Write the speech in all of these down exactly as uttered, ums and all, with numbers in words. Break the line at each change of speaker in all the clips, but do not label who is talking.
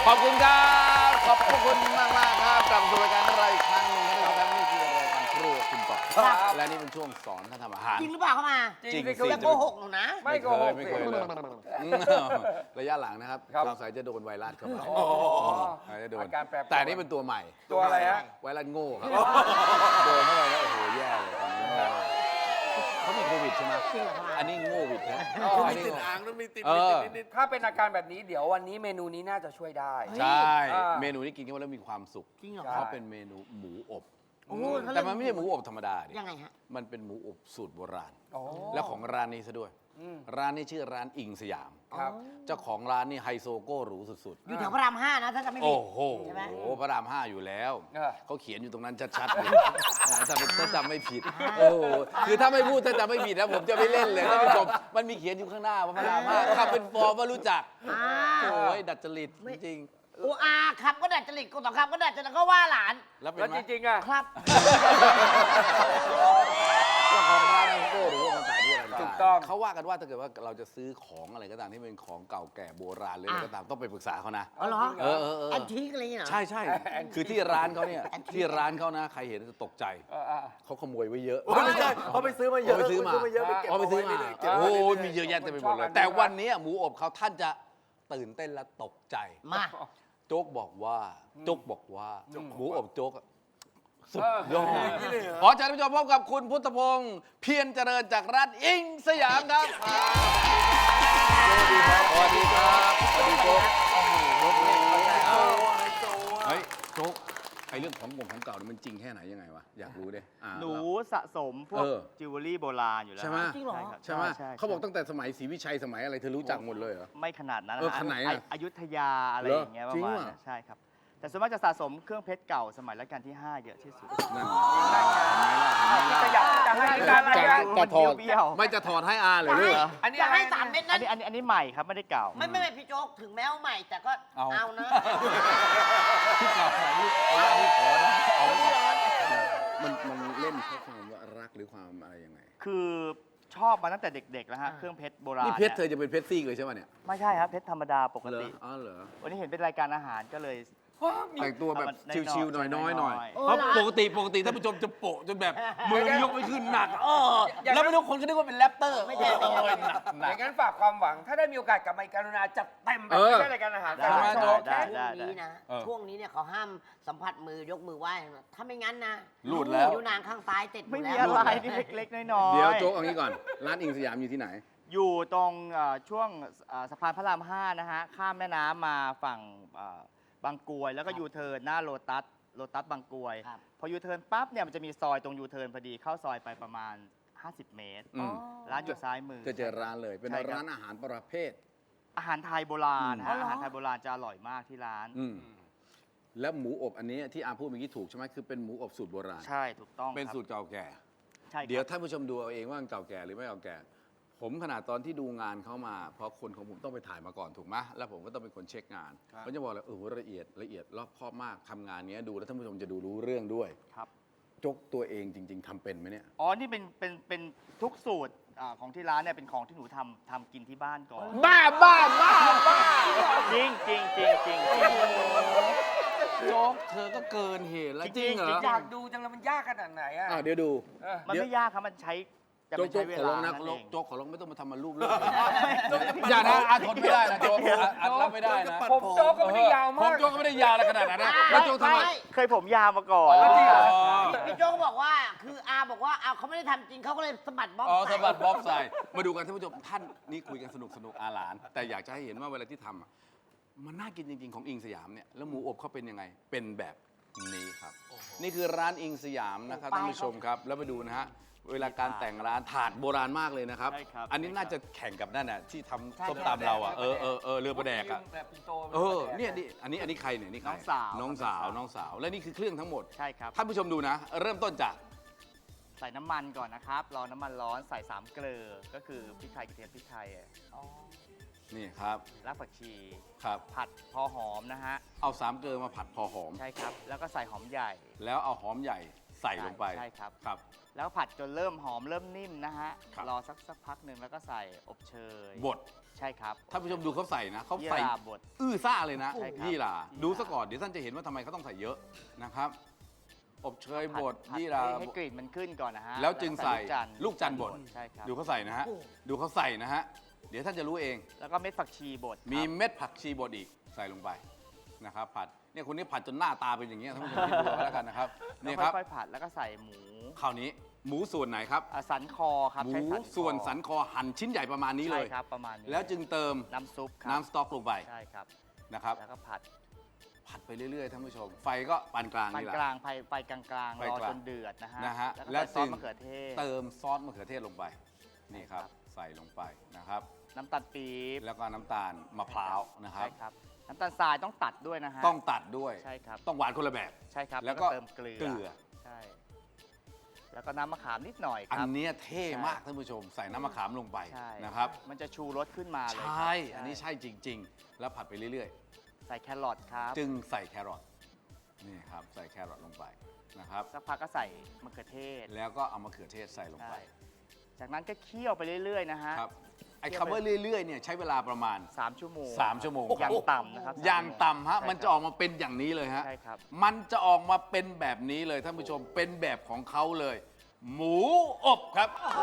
ขอบคุณครับขอบคุณมากมากครับกลับมาสู่รายการของเราอีกครั้งหนึ่งนะครับนี่คือรายการครัวคุณต่อและนี่เป็นช่วงสอนท่านทำอาหาร
จริงหรือเปล่าเข้ามา
จริง
สิ
สิ
อย่าโกหกหนูนะ
ไม่เคยไม่เคยเลยระยะหลังนะครับสงสัยจะโดนไวรัสเข้ามาจะโดนแต่นี่เป็นตัวใหม่
ตัวอะไรฮะ
ไวรัสโง่ครับโดนเข้าไปแล้วโอ้โหแย่เลยตอนนี้เขามีโควิดใช่ไหม
จริงเหรอคะ
อันนี้โง่วิดนะ
มีติดอ่างแล้วมีติด
เออ
นิดๆถ้าเป็นอาการแบบนี้เดี๋ยววันนี้เมนูนี้น่าจะช่วยได้
ใช่
อ่า
เมนูที่กินเข้าไปแล้วมีความสุข
จริงเหรอ
เพราะเป็นเมนูหมูอบ
โอ้โหเขาเรี
แต่
ยก
มันไม่ใช่หมูอบธรรมดาดิ
ยังไงฮะ
มันเป็นหมูอบสูตรโบราณ
โอ้
และของร้านนี้ซะด้วย
อืม
ร้านนี้ชื่อร้านอิงสยาม
ครับ
เจ้าของร้านนี่ไฮโซโก้หรูสุด
อยู่แถวพระรามห้านะถ้าจะไม่
ๆ
ผิ
โอ้
ด
โห
ใช่ไหม
พระรามห้าอยู่แล้ว
เออ
เขาเขียนอยู่ตรงนั้นชัดๆเลยถ้าถ้าจำไม่ผิด โอ้โหคือถ้าไม่พูดถ้าจำไม่ผิดนะผมจะไม่เล่นเลยท่านผู้ชมมันมีเขียนอยู่ข้างหน้าว่าพระรามห้าทำเป็นฟอร์มว่ารู้จัก
อ่า
โอ้ยดัดจริตจริง
โอ้อาครับก็ดัดจริตกูต่อครับก็ดัดจริตก็ว่าหลาน
ๆแล้วเป็น
แล้ว
ไหม
จริงๆอ่ะ
ครับ
เจ้าของร้านไฮโซโก้หรือว่ามันขายที่อะไร
ถูกต้อง
เขาว่ากันว่าถ้าเกิดว่าเราจะซื้อของอะไรก็ตามที่เป็นของเก่าแก่โบราณหรืออะไรก็ตามต้องไปปรึกษาเขานะ
อ๋อเหรอ
เออเออเออ
แอนทิกอะไรอย่างเงี้ยเหรอ
ใช่ใช่คือที่ร้านเขาเนี่ย
แอนทิค
ที่ร้านเขานะใครเห็นจะตกใจ
เอออ่ะ
เขาขโมยไว้เยอะ
ไม่ใช่เขาไปซื้อมาเยอะ
เขาไปซื้อมา
เยอะไปเก็บ
เขาไปซื้อมา
เรื่ยๆเก็บ
โอ้
ไว้
โห
เรื่อยๆ
มีเยอะแยะเต็มไปหมดเล
ชอบอั
ย
นนี้
แต่วันนี้หมูอบเขาท่านจะตื่นเต้นและตกใจ
มา
โจ๊กบอกว่าโจ๊กบอกว่าหมูอบโจ๊กอะสุดยอดขอเชิญท่านผู้ชมพบกับคุณพุทธพงศ์เพียรเจริญจากร้านอิงสยามครับสวัสดีครับสวัสดีโจ๊กโจ๊กเฮ้ยโจ๊กไอเรื่องของกงของเก่านี่มันจริงแค่ไหนยังไงวะอยากรู้ดิอ่า
หนู
เรา
สะสมพวก
เออ
จิวเวลรี่โบราณอยู่แล้ว
ใช่ไหม
จริงเหรอ
ครับ
ใช่ไหม
ใช่
เขาบอกตั้งแต่สมัยศรีวิชัยสมัยอะไรเธอรู้จักหมดเลยเหรอ
ไม่ขนาดนั้น
เออขนาดไหนอะ
ออยุธยาอะไร
เหรอ
อย่างเงี้ยประ
จริง
มาณ
ว่ะ
นั้นใช่ครับ แต่ส่วนมากจะสะสมเครื่องเพชรเก่าสมัยรัชกาลที่ ห้า เยอะที่สุด
นั่น
จะอยากจะให้การอะไร
จะ
กัน
จะถอด
เบี้ยวๆ
ไม่จะถอดให้อาเลยลูก
อันนี้
จะ
อะไร
ให้สามเม็ด
อั
นั้น น
นี้อันนี้อันนี้ใหม่ครับไม่ได้เก่า
ไม่ไม่ไม่พี่โจ๊กถึงแม้ว่าใหม่แต่ก็
เอา
เอานะ
ที่เก่าไหนลูกเอาที่ขอนะเอาไว้ก่อนมันมันเล่นเพราะความว่ารักหรือความอะไรยังไง
คือชอบมาตั้งแต่เด็กๆแล้วฮะเครื่องเพชรโบราณ
นี่เพชรเธ
นี่
อย จะเป็นเพชรซีกเลยใช่ไหมเนี่ย
ไม่ใช่ครับเพชรธรรมดาปก
เหรอ
ติ
อ๋อเหรอ
วันนี้เห็นเป็นรายการอาหารก็เลย
แต่งตัวแบบ
เอามัน
ชิวๆห
น้
น่
อ
อย ยๆหน่อย
ๆ
เพราะปกติปกติท่านผู้ชมจะโปะจนแบบมือยกไม่ขึ้นหนักเออแล้วไม่รู้คนก็นึกว่าเป็นแรปเตอร์
ไม่ใช่ไม่ใช่
โอ้ยหนักห
อ
นัก
ย่างนั้นฝากความหวัง ถ้าได้มีโอกาสกลับมาอีกกรุณาจัดเต็มแบบ
เออ
ไม่ใช่รายการอาหาร
ได้
แต่ว่าโจ๊ก
ได้
ช่วงนี้นะ
เออ
ช่วงนี้เนี่ยเขาห้ามสัมผัสมือยกมือไหว้นะถ้าไม่งั้นนะ
หลุดแล้ว
อยู่นางข้างซ้ายติดอ
ไม่
ยู่
มี
แล้ว
อะไรนี่เล็กๆน้อยๆ
เดี๋ยวโจ๊กเอางี้ก่อน ร้านอิงสยามอยู่ที่ไหน
อยู่ตรงเอ่อช่วงเอ่อสะพานพระรามห้านะฮะ ข้ามแม่น้ำมาฝั่งเอ่อบางกรวย แล้วก็ยูเทิร์นหน้าโลตัสโลตัสบางกรวย
ครับ
พอยูเทิร์นปั๊บเนี่ยมันจะมีซอยตรงยูเทิร์นพอดีเข้าซอยไปประมาณ ห้าสิบ เมตร
อืม
ร้านอยู่ซ้ายมือ
จะเจอร้านเลย เป็น
ใช่ครับ
ร้านอาหารประเภท
อาหารไทยโบราณ
อืม
ฮะอาหารไทยโบราณจะอร่อยมากที่ร้าน
อืมแล้วหมูอบอันนี้ที่อาพูดเมื่อกี้ถูกใช่ไหมคือเป็นหมูอบสูตรโบราณ
ใช่ถูกต้อง
เป็น
ครับ
สูตรเก่าแก่
ใช่ครับ
เดี๋ยวท่านผู้ชมดูเอาเองว่ามันเก่าแก่หรือไม่เก่าแก่ ผมขนาดตอนที่ดูงานเข้ามา เพราะคนของผมต้องไปถ่ายมาก่อนถูกไหมแล้วผมก็ต้องเป็นคนเช็คงานเขาจะบอกเลยเออละเอียดละเอียดรอบคอบมากทำงานเนี้ยดูแล้วท่านผู้ชมจะดูรู้เรื่องด้วย
ครับ
จกตัวเองจริง ๆทำเป็นไหมเนี่ย
อ๋อ นี่เป็นเป็นเป็นทุกสูตรอ่าของที่ร้านเนี่ยเป็นของที่หนูทำทำกินที่บ้านก่อน
บ้าบ้าบ้าบ้า
จริงจริงจริงจริง
โจ๊กเธอก็เกินเหตุแล้วจริงเหรอ
อยากดูจังเลยมันยากขนาดไหนอ่ะ
อ่ะเดี๋ยวดู
เออ
มันไม่ยากครับ มันใช้จะ
โจ๊
ไม่
กโจ๊
ใช้
ก
เว
ขอร้
ลา
องนะ
นั่นเอง
โจ๊กขอร้องไม่ต้องมาทำมารูปเลยอย่านะอาทนไม่ได้นะโจ๊กอารับไม่ได้นะ
ผมโจ๊กก็ไม่ได้ยาว
ผม
มาก
โจ๊กก็ไม่ได้ยาวอะไรขนาดนั้นนะแล้วโจ๊กทำไม
ไม่
เคยผมยาวมาก่อน
อ๋อจริงเหรอ
พี่โจ๊กบอกว่าคืออาบอกว่าเอาเขาไม่ได้ทำจริงเขาก็เลยสะบัดบ๊อบ
อ๋อ
ใส่
สะบัดบ๊อบใส่มาดูกันท่านผู้ชมท่านนี่คุยกันสนุกสนุกอาหลาน แต่อยากจะให้เห็นว่าเวลาที่ทำอะมันน่ากินจริง ๆ ของอิงสยามเนี่ยแล้วหมูอบเขาเป็นยังไงเป็นแบบนี้ครับ นี่คือร้านอิงสยามนะครับท่านผู้ชมครับแล้วไปดูนะฮะเวลาการแต่งร้านถาดโบราณมากเลยนะครับ
ใช่ครับ
อันนี้น่าจะแข่งกับนั่นน่ะที่ทำส้มตำเราอ่ะเออเออเออเรือประแดกอ่ะ
แบบปิ่นโต
เออเนี่ยนี่อันนี้อันนี้ใครเนี่ยนี่ใคร
น้องสาว
น้องสาวน้องสาวและนี่คือเครื่องทั้งหมด
ใช่ครับ
ท่านผู้ชมดูนะ เริ่มต้นจาก
ใส่น้ำมันก่อนนะครับ รอน้ำมันร้อน ใส่สามเกลือ ก็คือพริกไทยกระเทียมพริกไทย
นี่ครับ
รากผักชี
ครับ
ผัดพอหอมนะฮะ
เอาสามเกลือมาผัดพอหอม
ใช่ครับ แล้วก็ใส่หอมใหญ่
แล้วเอาหอมใหญ่ใส่ลงไป
ใช่ครับ
ครับ
แล้วผัดจนเริ่มหอมเริ่มนิ่มนะฮะ
ครับ
รอสักสักพักหนึ่งแล้วก็ใส่อบเชย
บด
ใช่ครับ
ท่านผู้ชมดูเขาใส่นะเขา
ยี่
ใส่
ราบด
อื้อซ่าเลยนะ
ใช่ครับ
ยี่หร่า
ยี่หร่า
ดูซะก่อนเดี๋ยวท่านจะเห็นว่าทำไมเขาต้องใส่เยอะนะครับ อบเชยบด
ผัด
ยี่หร่า
ให้ให้กลิ่นมันขึ้นก่อนนะฮะ
แล้วจึงใส่
ลู
ลู
ก
ก
จั
จั
น
น
ท
ท
ร์
ร์บด
ใช่ครับ
ดูเขาใส่นะฮะ ดูเขาใส่นะฮะ เดี๋ยวท่านจะรู้เอง
แล้วก็เม็ดผักชีบดครับ
มีเม็ดผักชีบดอีกใส่ลงไปนะครับ ผัด เนี่ยคนนี้ผัดจนหน้าตาเป็นอย่างเงี้ยท่านผู้ชมคิดดูเอาแล้วกันนะครับ
แล้ว
นี่ครับ
ค่อยๆผัดแล้วก็ใส่หมู
คราวนี้หมูส่วนไหนครับ
อ่ะสันคอครับ
หมู
ใช้คอ
ส่วนสันคอหั่นชิ้นใหญ่ประมาณนี้เลย
ใช่ครับประมาณนี้
แล้วจึงเติม
น้ำซุปครับ
น้ำสต๊อกลงไป
ใช่ครับ
นะครับ
แล้วก็ผัด
ผัดไปเรื่อยๆท่านผู้ชม ไฟก็ปานกลาง
ปาน
นี่แหละ
กลางไฟไฟกลางๆ
ไฟ
รอก
ลาง
จนเดือดนะฮะ
นะฮะ
แล้วก็
และ
ใส่ซอส
จึง
มะเขือเทศ
เติมซอสมะเขือเทศลงไป นี่ครับ
ครับ
ใส่ลงไปนะครับ
น้ำตาลปี๊บ
แล้วก็น้ำตาลมะพร้าวนะครับ
ใช่ครับน้ำตาลทรายต้องตัดด้วยนะฮะ
ต้องตัดด้วย
ใช่ครับ
ต้องหวานคนละแบบ
ใช่ครับ
แล้วก็
เติมเกลือ
เกลือ
ใช่ แล้วก็น้ำมะขามนิดหน่อยค
อัน
รับ
เนี้ยเท่มาก
ใช่
ท่านผู้ชม ใส่น้ำมะขามลงไป
ใช่
นะครับ
มันจะชูรสขึ้นมาเลย
ใช
ครับ
่ อันนี้ใช่จริง ๆ แล้วผัดไปเรื่อย
ใส่แครอทครับ
ๆ จึงใส่แครอท นี่ครับ ใส่แครอทลงไปนะครับ
สักพักก็ใส่มะเขือเทศ
แล้วก็เอามะเขือเทศใส่ลง
ใช่
ไป
จากนั้นก็เคี่ยวไปเรื่อยๆนะฮะ
ครับ ไอ้คำว่าเรื่อยๆ เนี่ยใช้เวลาประมาณ
สามชั่วโมง
สามชั่วโมง
อย่างต่ำนะครับ
อย่างต่ำฮะ
ใช่ครับ
มันจะออกมาเป็นอย่างนี้เลยฮะ
ใช่ครับ
มันจะออกมาเป็นแบบนี้เลยท่านผู้ชม เป็นแบบของเขาเลย หมูอบครับ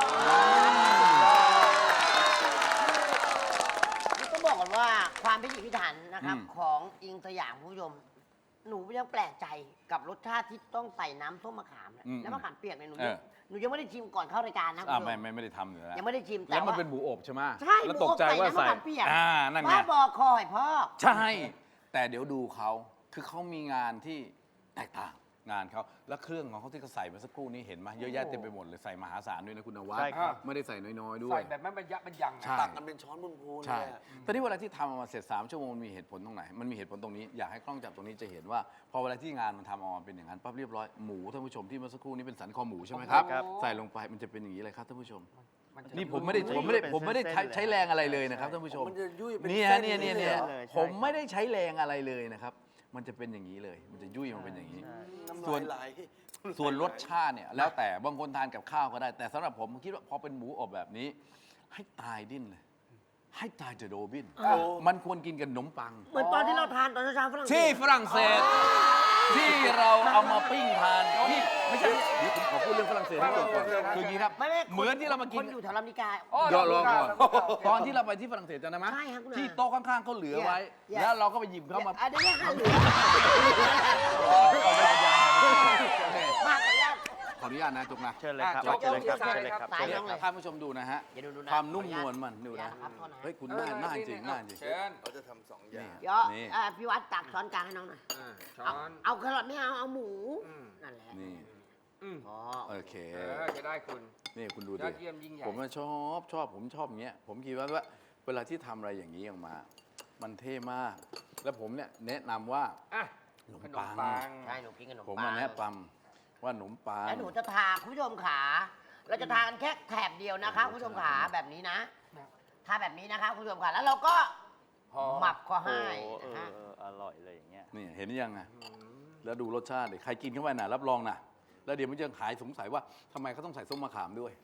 นี่ต้องบอกก่อนว่าความพิถีพิถันนะครับ
อืม
ของอิงสยามคุณผู้ชม หนูยังแปลกใจกับรสชาติที่ต้องใส่น้ำส้มมะขามเนี่ย
อืม
แล้วมะขามเปียกเนี่ยหนู
เออ
หนูยังไม่ได้ชิมก่อนเข้ารายการนะคุณ
อ่า
ผู้ช
ไม่
ม
ไม่ไม่ได้ทำอยู่แล้ว
ยังไม่ได้ชิมแต่
แล้วมัน
ว่า
เป็นหมูอบใช่ไหม
ใช่
แล้วตกใจว่าใส่
หมูอบใส่น้ำมะขามเปียก
อ่านั่นไง
บ้าบอคอยพ่อ
ใช่ แต่เดี๋ยวดูเขาคือเขามีงานที่แตกต่างงานเขาแล้วเครื่องของเขาที่เขาใส่เมื่อสักครู่นี้เห็นไหมเยอะแยะเต็มไปหมดเลยใส่มหาศาลด้วยนะคุณนวัด
ใช่ครับ
ไม่ได้ใส่น้อยๆด้ว
ใส่
ย
แบบไม่บรรยะบรรยังอะ
ใช่
ตักกันเป็นช้อนบนพูน
ใช่
เลยอะ
ตอนนี้เวลาที่ทำออกมาเสร็จสามชั่วโมงมันมีเหตุผลตรงไหน มันมีเหตุผลตรงนี้ อยากให้กล้องจับตรงนี้จะเห็นว่า พอเวลาที่งานมันทำออกมาเป็นอย่างนั้นปั๊บเรียบร้อย หมูท่านผู้ชมที่เมื่อสักครู่นี้เป็นสันคอหมูใช่ไหมครับ
ครับ
ใส่ลงไปมันจะเป็นอย่างนี้เลยครับท่านผู้ชม
มันจะ
นี่ผมไม่ได้ผมไม่ได้ผมไม่ได้ใช้ใช้แรงอะไรเลยนะครับท่านผู้ชม
มันจะยุ่ยเป็น
เนี่ย
เส้น
เนี่ยเนี่ย
เล
เนี่ย
หรอ
เลยใช่
ผมไม่ได้ใช้แรงอะไรเลยนะครับ มันจะเป็นอย่างนี้เลย มันจะยุ่ยมันเป็นอย่างนี้
น้ำ
ส่ว
ลาน ยไหล
ส่วนรสชาติเนี่ยแล้วแต่บางคนทานกับข้าวก็ได้ แต่สำหรับผมผมคิดว่าพอเป็นหมูอบแบบนี้ ให้ตายดิ้นเลย ให้ตายเดอะโรบิน มันควรกินกับขนมปัง
เหมือนตอนที่เราทานตอนเช้าๆฝรั่งเศ
ที่
ส
ฝรั่งเศส ที่เราเอามาปิ้งทานที่ไม่ใช่เดี๋ยวผมขอพูดเรื่องฝรั่งเศสให้จบก่อนคืออย่างนี้ครับ
ไม่ไม่
เหมือนที่เรามากิ
คน นอยู่แถวลำนิกา
อ๋อ
รอรอก่อน
เรารู้กัน
ตอนที่เราไปที่ฝรั่งเศสจำได้ไหม
ใช่ครับคุณอา
ที่โต๊ะข้างๆเขาเหลือไว้
Yeah.
แล้วเราก็ไปหยิบเข้ามา
อันนี้เนี่ยค่ะเหลือ
เอาไปบรรยายโอเค
มากเลยอะ
ขออนุญาตนะจุกนะ
เชิญเลยครับ
อ่ะ
เชิญเลยครับ
โจ๊ก
เชิญเลยครับ
สาย
เชิญเลย
น้องเลย
ท่านผู้ชมดูนะฮะ
อย่าดูดูนะ
ความนุ่มนวลมันดูนะ
ครับโทษนะ
เฮ้ยคุณน่าน่าจริงน่าจริง
เชิญ
เขาจะทำสองอย่าง
เดี๋ยว
นี่
อ่ะพี่วัดตักช้อนกลางให้น้องหน่อย
อ่าช้อ
เอา
น
เอาแครอทไม่เอาเอาหมู
อืม
นั่นแหละ
นี่
อืม
อ๋อ
โอเค
เออจะได้คุณ
นี่คุณดู
ย
ดิ
อดเยี่ยมยิ่งใหญ่
ผมว่าชอบชอบผมชอบอย่างเงี้ย ผมคิดว่าว่าเวลาที่ทำอะไรอย่างนี้ออกมา มันเท่มาก แล้วผมเนี่ยแนะนำว่า
อ่ะ
ขนม
ขน
ปั
ม
ง
ปัง
ใช่หนูกินขนม
ผม
ปั
มาง แนะนำว่าขนมปัง
แล้วหนูจะทาคุณผู้ชมขาเราจะทากันแค่แถบเดียวนะคะคุณผู้ชมขาแบบนี้นะทาแบบนี้นะคะคุณผู้ชมขาแล้วเราก็
พอ
หมับก็
โอ้
ให้
โหเอ
นะ
อ
ฮะ
เอออร่อยเลยอย่างเงี้ย
นี่เห็นยังไงแล้วดูรสชาติดิใครกินเข้าไปน่ะรับรองน่ะ แล้วเดี๋ยวมันจะหายสงสัยว่าทำไมเขาต้องใส่ส้มมะขามด้วย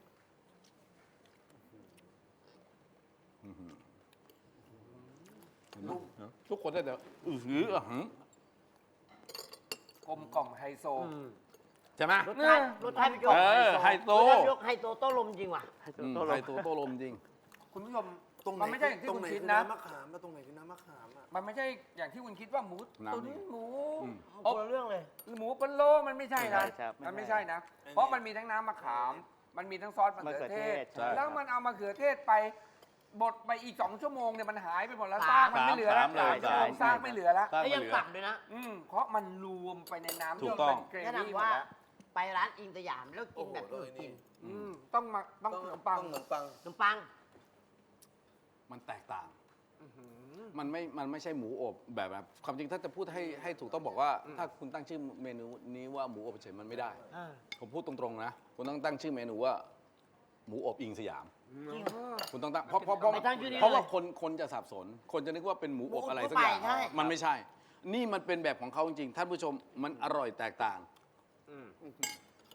อื้อหือเห็นไหมทุกคนได้แต่อือหืออ่ะหือก
ลมกล่อมไฮโซ
ใช่ไหม
รสชาติรสชาติพี่โจ๊ก
เออไฮโซ
รสชาติยกไฮโซโต้ลมจริงว่ะ
อืมไข่ตัวโตลมจริง
คุณผู้ชม
ตรงไหน
มันไม่ใช่อย่างที่
ตรง
คุณ
ไหน
คิด
คือ
นะ
น้ำมะขามมาตรงไหนคือน้ำมะขามอ่ะ
มันไม่ใช่อย่างที่คุณคิดว่าหมู
น้ำ
ตุ๋น
นี่
หมู
อืม
คนละเรื่องเลย
หมูปนโลมันไม่ใช่นะ
ไม่ใช่ครับ
มันไม่ใช่นะ เพราะมันมีทั้งน้ำมะขาม มันมีทั้งซอสมะเขือเทศ
ใช่
แล้วมันเอามะเขือเทศไปบดไปอีกสองชั่วโมงเนี่ยมันหายไปหมดแล้ว
สาม
ซากมันไม่เหลือแล้ว
สามเลย
สามชั่วโมง
ใช่
ซากไม่เหลือแล้ว
ตั้ง
แล้ว
มา
ยัง
เหลือ
ตักด้วยนะ
อืมเพราะมันรวมไปในน้ำ
ถูก
จน
ต้อง
เป็นเกร
แนะ
วี่หมด
นำว่า
แล้ว
ไปร้านอิงสยามแล้วกินแบบ
โอ้
นี้
โห
กิน
อืมต้องมาต้องขนมปัง
ต้องขนมปัง
ขนมปัง
มันแตกต่าง
อื้อหือ
มันไม่ มันไม่ใช่หมูอบแบบแบบความจริงถ้าจะพูดให้ให้ถูกต้องบอกว่า ถ้าคุณตั้งชื่อเมนูนี้ว่าหมูอบเฉยมันไม่ได้ ผมพูดตรงๆนะ คุณต้องตั้งชื่อเมนูว่า หมูอบอิงสยาม
จริง
คุณต้องตั้งเพราะเพราะเพราะ
ไม่ตั้งชื่อนี้
เพราะว่า
เลย
คนคนจะสับสน คนจะนึกว่าเป็นหมูอบอะไร
หมูอบ
สักอย่าง
ทั่วไปใช่
มันไม่ใช่ นี่มันเป็นแบบของเขาจริงๆ ท่านผู้ชมมันอร่อยแตกต่าง
อืม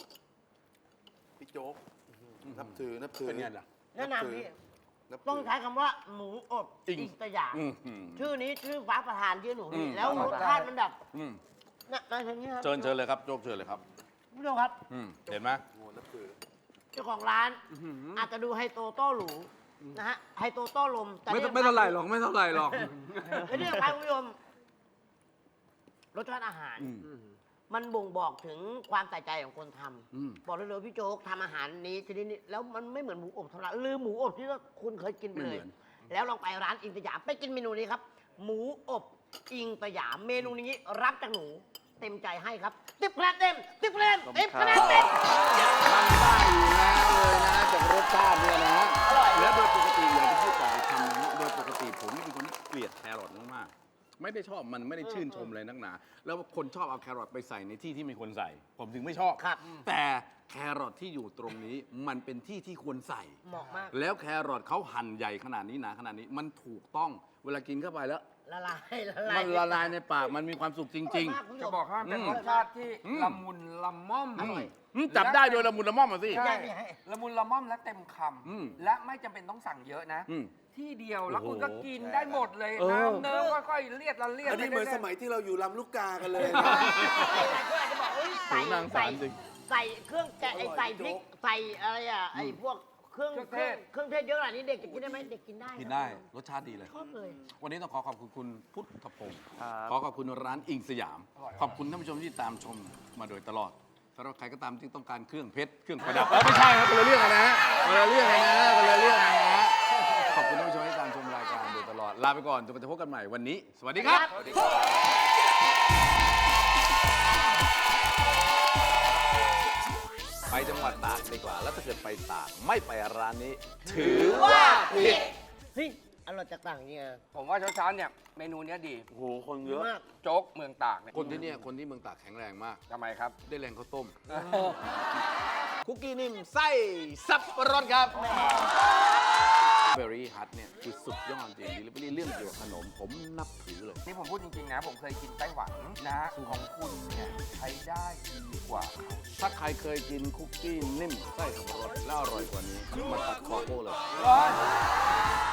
โจ๊กนับถือนับถือ
เป็นไงล่ะ
แนะนำพี่
นับถื
ต้องใช้คำว่าหมูอบ
อิง
อิงสยาม
อืมอืม
ชื่อนี้ชื่อฟ้าประธานชื่อหนู
อื
นี่
ม
แล้วรสชาติมันแบบ
อืม
เนี่ยในทางนี้ครับ
เชิญเชิญเลยครับโจ๊กเชิญเลยครับ
คุณผู้ชมครับ
อืมเห็นไหม
โอ้นับถือ
เจ้าของร้านอาจจะดูไฮโตโต้หรูนะฮะไฮโตโต้ลมแต่
ไม่
นี่
ไม่เท่าไหร่หรอกไม่เท่าไหร่หรอก
และนี่ครับคุณผู้ชมรสชาติอาหาร
อืม
มันบ่งบอกถึงความใส่ใจของคนท
อืม
ำบอกเลยเลยพี่โจ๊กทำอาหารนี้ชนิดนี้แล้วมันไม่เหมือนหมูอบธรรมดาลืมหมูอบที่คุณเคยกินไปเลย
ไม่เหมือน
แล้วลองไปร้านอิงสยามไปกินเมนูนี้ครับ หมูอบอิงสยามเมนูนี้รับจากหนูเต็มใจให้ครับติบคะแนนเต็มติบคะแนนเต็มคะแนนเต็ม
มันได้อยู่แล้วเลยนะจากรสชาติเนี่ยนะ
อร่อย
แล้วโดยปกติอย่างที่พูดก่อนไปทำนะโดยปกติผมนี่เป็นคนที่เกลียดแครอทมากๆไม่ได้ชอบมันไม่ได้ชื่นชมเลยนักหนา แล้วคนชอบเอาแครอทไปใส่ในที่ที่ไม่ควรใส่ ผมถึงไม่ชอบ
ครับ
แต่แครอทที่อยู่ตรงนี้มันเป็นที่ที่ควรใส่
เหมาะมาก
แล้วแครอทเขาหั่นใหญ่ขนาดนี้หนาขนาดนี้มันถูกต้องเวลากินเข้าไปแล้ว
ละลายละลาย
มันละลายในปากมันมีความสุขจริง
มากคุณผู้ช
จะ
ม
บอกให้มันเป็น
อืม
รสชาติที่
อืม
ละมุนละม่อม
ๆอืมอืมจับได้โดยละมุนละม่อมมาสิ
ใช่
ใช่
ละมุนละม่อมและเต็มค
อืม
ำและไม่จำเป็นต้องสั่งเยอะนะ
อืม
ที่เดียวแล้ว
โอ้โห
คุณก็กินได้หมดเลย
เออ
น้ำเนิ้มค่อยๆเลียดละเลียด
อันนี้เหมือนสมัยที่เราอยู่ลำลูกกากันเลย
หลายคนอาจจะบอกเอ้ยใส่
โหนางสา
ใส่
รจริง
ใส่เครื่องแกะไอ้
อร่อย
ใส่พริก
โจ๊ก
ใส่อะไรอ่ะไอ้พวกเครื่องเครื่องเครื่องเทศเยอะขนาดนี้เด็กจะกินได้ไหมเด็กกินได้
กินได้รสชาติดีเลย
ชอบเลย
วันนี้ต้องขอขอบคุณคุณพุทธพงศ์
ครับ
ขอขอบคุณร้านอิงสยาม ขอบคุณท่านผู้ชมที่ตามชมมาโดยตลอดสำหรับใครก็ตามที่ต้องการเครื่องเพชรเครื่องประดับเอ้ยไม่ใช่ครับคนละเรื่องกันนะฮะคนละเรื่องกันนะคนละเรื่องกันนะฮะขอบคุณท่านผู้ชมที่ตามชมรายการโดยตลอดลาไปก่อนจนกว่าจะพบกันใหม่วันนี้ สวัสดีครับ ไปจังหวัดตากดีกว่า แล้วถ้าเกิดไปตากไม่ไปร้านนี้ ถือว่าผิด
เฮ้ยอร่อยจากต่างเนี่ย
ผมว่าเช้าๆเนี่ยเมนูเนี้ยดี
โอ้โห คน
ดี
เยอะ
มาก
โจ๊กเมืองตากเนี่ย
คนที่เนี่ยคนที่เมืองตากแข็งแรงมาก
ทำไมครับ
ได้แรงข้าวต้ม คุกกี้นิ่มไส้สับปะรดครับเบอร์รี่ฮัทเนี่ยคือสุดยอดจริงดิลิเวอรี่เรื่องเกี่ยวกับขนม ผมนับถือเลย
นี่ผมพูดจริงๆนะ ผมเคยกินไต้หวันนะของคุณเนี่ยใช้ได้ดีกว่าเขา
ถ้าใครเคยกินคุกกี้นิ่มไส้สับปะรดแล้วอร่อยกว่านี้ มาตัดคอโก้เลย
เฮ้ย